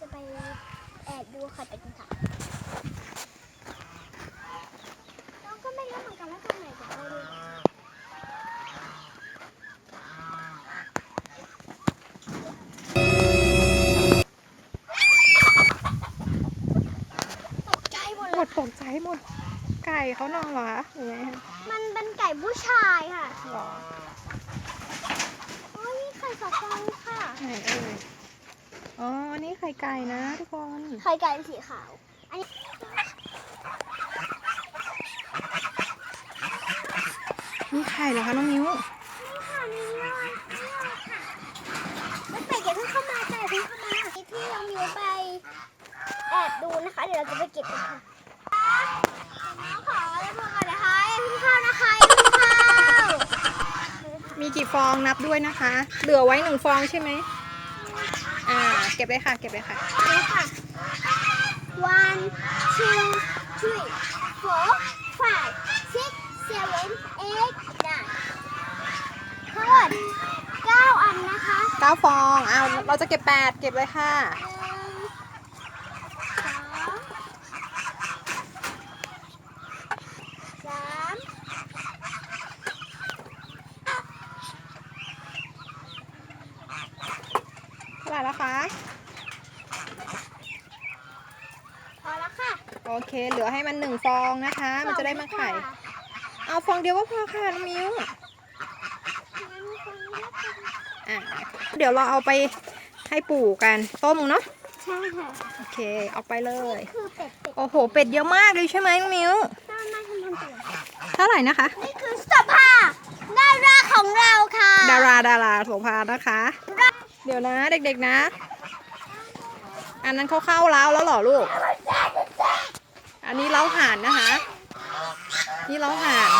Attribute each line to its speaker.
Speaker 1: ไปแอบดูค่ะไปกันค่ะน้องก็ไม่รู้เหมือนกันว่าตรงไหนจะไปดูตกใจหมด
Speaker 2: หมดตกใจหมดไก่เขานอนเหรอคะหรือไงคะ
Speaker 1: มันเป็นไก่ผู้ชายค่ะ
Speaker 2: หรอ
Speaker 1: โอ้ยนี่ไข่สองฟองค่ะ
Speaker 2: ไหนเอ่ยอ๋อนี่ไข่ไก่นะทุกคน
Speaker 1: ไข่ไก่สีขาว อันนี้
Speaker 2: นี่ไข่เหรอคะน้องมิ้ว
Speaker 1: นี่ค่ะนี่เลยนี่เลยค่ะแล้วไก่อย่าเพิ่งเข้ามาไก่เพิ่งเข้ามาที่เรามิวไปแอบดูนะคะ เดี๋ยวเราจะไปเก็บกันค่ะน้องขอแล้วพวกกันนะคะอย่าเพิ่งเข้านะคะอย่าเพิ่งเข้า
Speaker 2: มีกี่ฟองนับด้วยนะคะ เหลือไว้1 ฟองใช่ไหมเก็บเลยค่ะเก็บเลยค่ะ
Speaker 1: นี่ค่ะ one two three four five six seven eight nine ทั้งหมด9 อันนะคะ
Speaker 2: 9 ฟองเราจะเก็บ8เก็บเลยค่ะ
Speaker 1: 1 2 3
Speaker 2: เท่าไหร่แล้วคะ
Speaker 1: พอแล้วค่ะ
Speaker 2: โอเคเหลือให้มัน1 ฟองนะคะ มันจะได้มาไข่ เอาฟองเดียวก็พอค่ะน้องมิ้วเดี๋ยวเราเอาไปให้ปู่กันต้มเนาะ
Speaker 1: ใช่ค่ะ
Speaker 2: โอเคเอาไปเลย
Speaker 1: คือเป็ด
Speaker 2: โอ้โหเป็ดเยอะมากเลยใช่ไหมน้องมิ้ว
Speaker 1: ต้นมาทำตัว
Speaker 2: เท่าไหร่นะคะ
Speaker 1: นี่คือสภาพดาราของเราค่ะ
Speaker 2: ดาราโสภานะคะ เดี๋ยวนะเด็กๆนะ อันนั้นเขาเข้าเล้าแล้วเหรอลูก อันนี้เล้าห่านนะคะ นี่เล้าห่าน